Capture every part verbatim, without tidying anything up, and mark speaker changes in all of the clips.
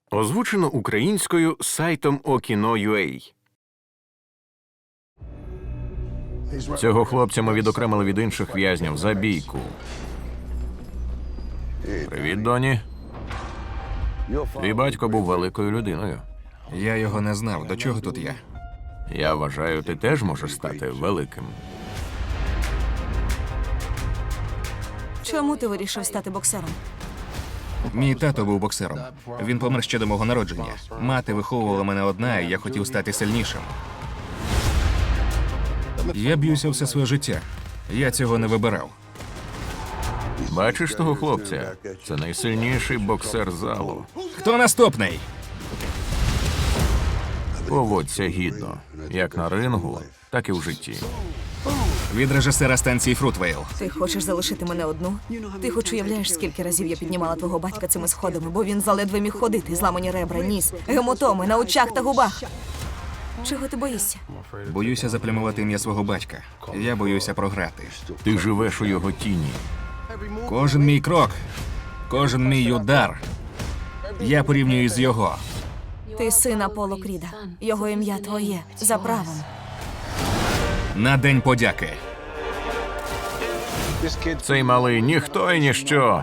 Speaker 1: Озвучено українською сайтом Okino.ua. Цього хлопця ми відокремили від інших в'язнів за бійку. Привіт, Доні. Твій батько був великою людиною.
Speaker 2: Я його не знав. До чого тут я?
Speaker 1: Я вважаю, ти теж можеш стати великим.
Speaker 3: Чому ти вирішив стати боксером?
Speaker 2: Мій тато був боксером. Він помер ще до мого народження. Мати виховувала мене одна, і я хотів стати сильнішим. Я б'юся все своє життя. Я цього не вибирав.
Speaker 1: Бачиш того хлопця? Це найсильніший боксер залу.
Speaker 2: Хто наступний?
Speaker 1: Поводься гідно. Як на рингу, так і в житті.
Speaker 2: Від режисера станції Фрутвейл.
Speaker 3: Ти хочеш залишити мене одну? Ти хоч уявляєш, скільки разів я піднімала твого батька цими сходами, бо він заледве міг ходити, зламані ребра, ніс, гематоми на очах та губах. Чого ти боїшся?
Speaker 2: Боюся заплямувати ім'я свого батька. Я боюся програти.
Speaker 1: Ти живеш у його тіні.
Speaker 2: Кожен мій крок, кожен мій удар. Я порівнюю з його.
Speaker 3: Ти син Аполло Кріда. Його ім'я твоє. За правом.
Speaker 2: На День подяки.
Speaker 1: Цей малий ніхто і ніщо.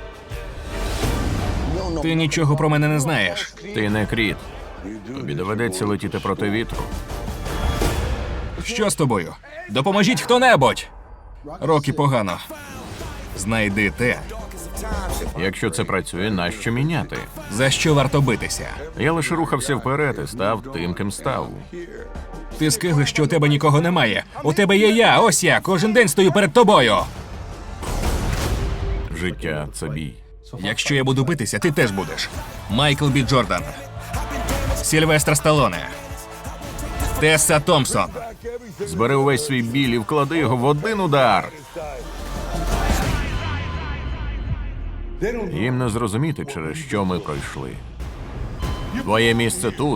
Speaker 2: Ти нічого про мене не знаєш.
Speaker 1: Ти не Крід. Тобі доведеться летіти проти вітру.
Speaker 2: Що з тобою? Допоможіть хто-небудь! Рокі погано. Знайди те,
Speaker 1: Якщо це працює, нащо міняти?
Speaker 2: за що варто битися.
Speaker 1: Я лише рухався вперед і став тим, ким став.
Speaker 2: Ти скиглиш, що у тебе нікого немає. У тебе є я, ось я, кожен день стою перед тобою.
Speaker 1: Життя – це бій.
Speaker 2: Якщо я буду битися, ти теж будеш. Майкл Бі Джордан. Сільвестр Сталоне. Тесса Томпсон.
Speaker 1: Збери увесь свій біль і вклади його в один удар. Їм не зрозуміти, через що ми пройшли. Твоє місце тут.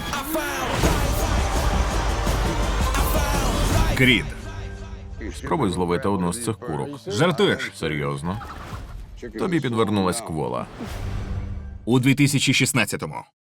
Speaker 2: Крід.
Speaker 1: Спробуй зловити одну з цих курок.
Speaker 2: Жартуєш?
Speaker 1: Серйозно? Тобі підвернулась квола.
Speaker 2: У дві тисячі шістнадцятому.